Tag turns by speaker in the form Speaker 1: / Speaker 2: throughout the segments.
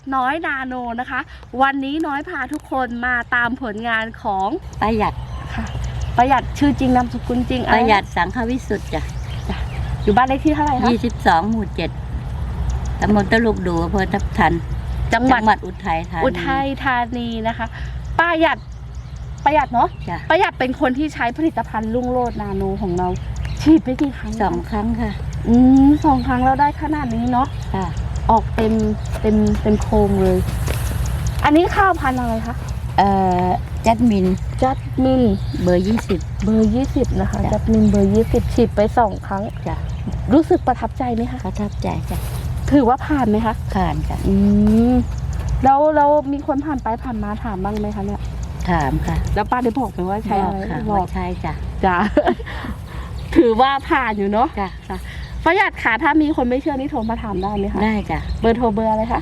Speaker 1: น้อยนาโนนะคะ วันนี้น้อยพาทุกคนมาตามผลงานของ
Speaker 2: ประหยัด
Speaker 1: ค่ะประหยัดชื่อจริงนามสกุลจริง
Speaker 2: ประหยัดสังฆวิสุทธิ์จ้ะ
Speaker 1: อยู่บ้านเลขที่เท่าไหร่คะ
Speaker 2: 22 หมู่ 7 ตำบลตลุกดูอำเภอทับทันจังหวัดอุทัยธานี
Speaker 1: นะคะประหยัดเนาะประหยัดเป็นคนที่ใช้ผลิตภัณฑ์รุ่งโรจน์นาโนของเราฉีดไปกี่ครั้ง
Speaker 2: 2 ครั้งค่ะ
Speaker 1: 2 ครั้งเราได้ขนาดนี้เนาะ
Speaker 2: ค่ะ
Speaker 1: ออกเต็มโครงเลยอันนี้ข้าวพันธุ์อะไรคะ
Speaker 2: จัดมินเบอร์
Speaker 1: 20นะคะจัดมินเบอร์ 20ฉีดไป2 ครั้ง
Speaker 2: จ้ะ
Speaker 1: รู้สึกประทับใจไหมคะ
Speaker 2: ประทับใจจ้ะ
Speaker 1: ถือว่าผ่านไหมคะ
Speaker 2: ผ่านจ้ะ
Speaker 1: แล้วมีคนผ่านไปผ่านมาถามบ้างไหมคะเนี่ย
Speaker 2: ถามค่ะ
Speaker 1: แล้วป้าได้บอกไหมว่าใช่อะไร
Speaker 2: บอกใช่
Speaker 1: จ้ะถือว่าผ่านอยู่เนาะ
Speaker 2: จ้ะ
Speaker 1: ประหยัดค่ะถ้ามีคนไม่เชื่อนี่โทรมาถามได้ไหมคะ
Speaker 2: ได้จ้ะ
Speaker 1: เบอร์โทรเบอร์อะไรคะ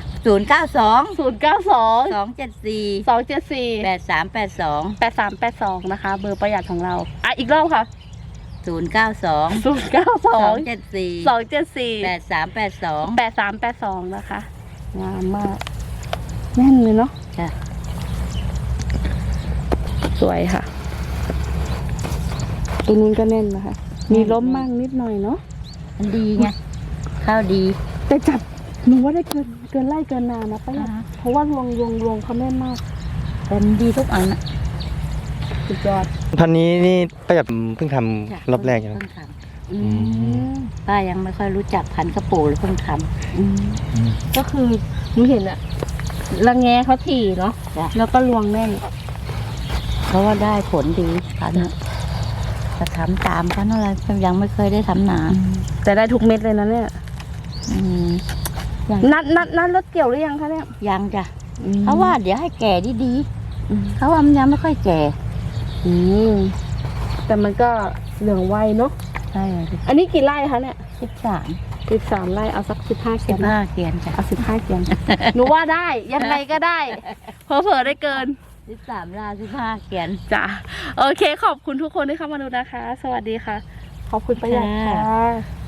Speaker 2: 092 274 8382
Speaker 1: นะคะเบอร์ประหยัดของเราอีกรอบค่ะ
Speaker 2: 092 274 8382
Speaker 1: นะคะงามมากแน่นเลยเนาะ
Speaker 2: จ้ะ
Speaker 1: สวยค่ะตรงนู้นก็แน่นนะคะมีล้มมั่งนิดหน่อยเนาะ
Speaker 2: มันดีไงข้าวดี
Speaker 1: แต่จับหนูว่าได้เกินไร่เกินนานะป้าเพราะว่ารวงเขาแน่นมาก
Speaker 2: เป็นดีทุกอันนะ
Speaker 1: สุดยอด
Speaker 3: พันนี้นี่ประหยัดเพิ่งทำรอบแรกยัง
Speaker 2: ป้ายังไม่ค่อยรู้จักพันกระปูหรือเพิ่งท
Speaker 1: ำก็คือหนูเห็นอะระแงเขาถี่เนาะแล้วก็รวงแน่น
Speaker 2: เพราะว่าได้ผลดีพันจะทำตามพันอะไรยังไม่เคยได้ทำนา
Speaker 1: แต่ได้ทุกเม็ดเลยนะเนี่ยนัดรถเกี่ยวหรือยังคะเนี่ย
Speaker 2: ยังจ้ะเขาว่าเดี๋ยวให้แก่ดีเขาว่ามันยังไม่ค่อยแก่
Speaker 1: แต่มันก็เหลืองไวเนาะ
Speaker 2: ใช่
Speaker 1: อันนี้กี่ไร่คะเนี่ย
Speaker 2: 13
Speaker 1: ไร่เอาสัก15 เกียน
Speaker 2: จ้ะ
Speaker 1: เอา15 เกียนหนูว่าได้ยังไงก็ได้เผลอได้เกิน
Speaker 2: 13 ไร่15 เกียน
Speaker 1: จ้ะโอเคขอบคุณทุกคนที่เข้ามาดูนะคะสวัสดีค่ะขอบคุณประหยัดค่ะ